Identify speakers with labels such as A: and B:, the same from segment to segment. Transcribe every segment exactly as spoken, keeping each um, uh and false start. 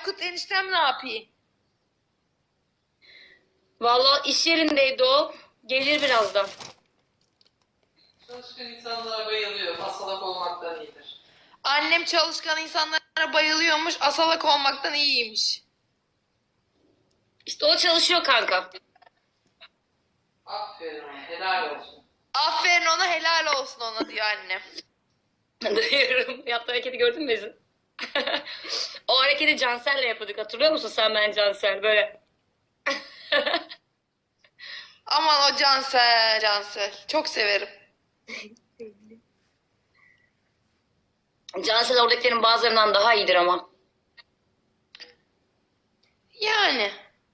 A: Aykut eniştem ne yapayım?
B: Vallahi iş yerindeydi o. Gelir birazdan.
C: Çalışkan insanlara bayılıyor. Hastalık olmaktan iyidir.
A: Annem çalışkan insanlara bayılıyormuş, asalak olmaktan iyiymiş.
B: İşte o çalışıyor kanka.
C: Aferin ona. Helal olsun.
A: Aferin ona, helal olsun ona diyor annem.
B: Duyuyorum. Yaptığı hareketi gördün mü Ezin? O hareketi Cansel'le yapıyorduk. Hatırlıyor musun sen, ben Cansel? Böyle.
A: Aman o Cansel, Cansel. Çok severim.
B: Cansel oradakilerin bazılarından daha iyidir ama.
A: Yani.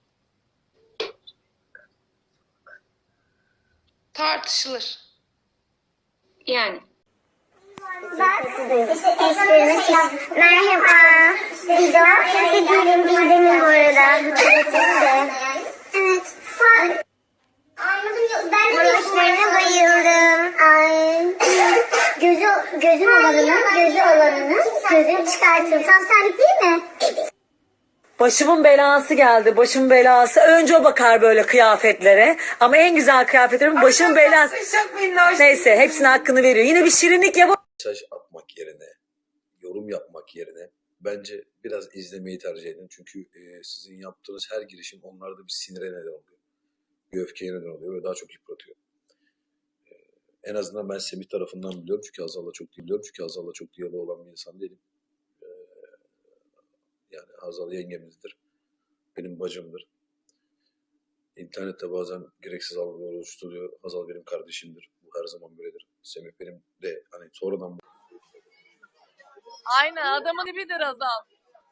A: Tartışılır.
B: Yani.
D: Bak, işte eşlerine çık. Merhaba. Bizo, sevgilim Didem'in bu arada. Hatırlatayım da. Evet. Anladım. Ben de eşlerine bayıldım. Ay. Gözü, gözüm olanının, gözü olanının gözünü çıkartırım. Tam senlik değil mi?
E: Başımın belası geldi. Başımın belası. Önce o bakar böyle kıyafetlere. Ama en güzel kıyafetlerim başımın belası. Neyse hepsine hakkını veriyor. Yine bir şirinlik yap.
F: Mesaj atmak yerine, yorum yapmak yerine bence biraz izlemeyi tercih edin. Çünkü e, sizin yaptığınız her girişim onlarda bir sinire neden oluyor. Bir öfkeye neden oluyor ve daha çok yıpratıyor. E, en azından ben Semih tarafından biliyorum. Çünkü Hazal'la çok biliyorum. Çünkü Hazal'la çok diyaloğu olan bir insan değilim. E, yani Hazal yengemizdir. Benim bacımdır. İnternette bazen gereksiz algılar oluşturuyor. Hazal benim kardeşimdir. Bu her zaman böyledir. Semih benim de hani sonradan
G: Aynen, adamın dibidir Azal.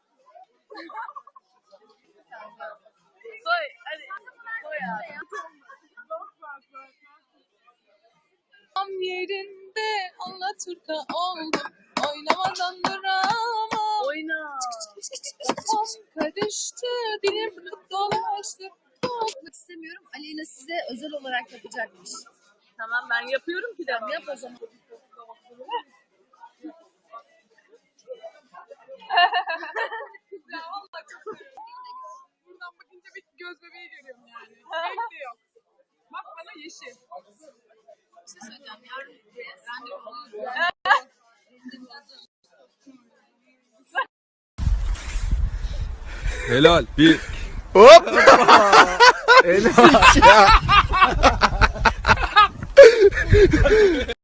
G: Koy hadi. Koy abi. Tam yerinde Alaturka oldum. Oynamadan duramam. Oyna. Kafam karıştı. Dilim dolaştı.
H: Yapmak istemiyorum. Aleyna size özel olarak yapacakmış.
G: Tamam, ben yapıyorum ki de.
H: Yap o zaman.
G: Ya vallahi çok seviyorum. Buradan bakınca bir göz bebeği görüyorum yani. Renk de yok. Bak bana yeşil.
H: Bir şey söyleyeceğim. Yarın randevu alıyorum.
I: Helal. Bir. Hop. Helal.